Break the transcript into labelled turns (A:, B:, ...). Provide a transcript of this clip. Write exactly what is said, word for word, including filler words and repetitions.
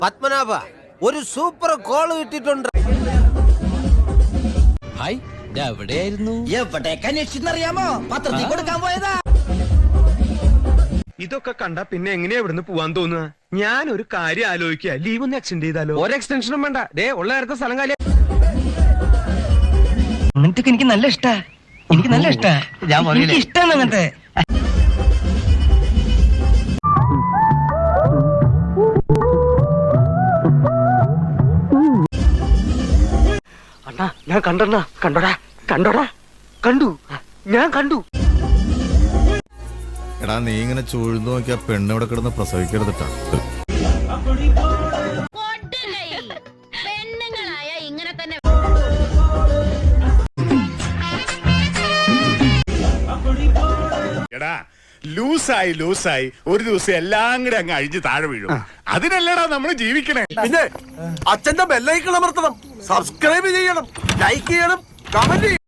A: പത്മനാഭ ഒരു super call കിട്ടിയിട്ടുണ്ട്.
B: Hi, എവിടെയായിരുന്നു?
C: എവിടേക്ക് അന്വേഷിച്ചെന്നറിയാമോ? പത്രത്തിൽ കൊടുക്കാൻ പോയതാ.
D: ഇതൊക്കെ കണ്ട പിന്നെ എങ്ങനെയാ ഇവിടുന്ന് പോവാൻ തോന്നുക? ഞാൻ ഒരു കാര്യം ആലോചിക്കുക, ലീവ് ഒന്ന് എക്സ്റ്റെൻഡ് ചെയ്താലോ? ഒരു എക്സ്റ്റൻഷനും വേണ്ട, ദേ ഉള്ള നേരത്തെ സ്ഥലം കാലി.
C: അങ്ങനത്തെ എനിക്ക് നല്ല ഇഷ്ടാ, എനിക്ക് നല്ല ഇഷ്ടാ, എനിക്ക് ഇഷ്ടാണ് അങ്ങനത്തെ.
D: അണ്ണാ ഞാൻ കണ്ടണ്ണ, കണ്ടോടാ കണ്ടോടാ കണ്ടു, ഞാൻ കണ്ടു.
E: എടാ നീ ഇങ്ങനെ ചൂഴ്ന്നു നോക്കിയാ പെണ്ണ് ഇവിടെ കിടന്ന് പ്രസവിക്കരുതിട്ടാ.
F: പെണ്ണുങ്ങളായ ഇങ്ങനെ തന്നെ.
G: എടാ ലൂസായി ലൂസായി ഒരു ദിവസം എല്ലാം കൂടെ അങ്ങ് അഴിഞ്ഞ് താഴെ വീഴും. അതിനല്ലടാ നമ്മൾ ജീവിക്കണേ.
H: പിന്നെ അച്ഛന്റെ ബെല്ലൈക്കൺ അമർത്തണം, സബ്സ്ക്രൈബ് ചെയ്യണം, ലൈക്ക് ചെയ്യണം, കമന്റ് ചെയ്യണം.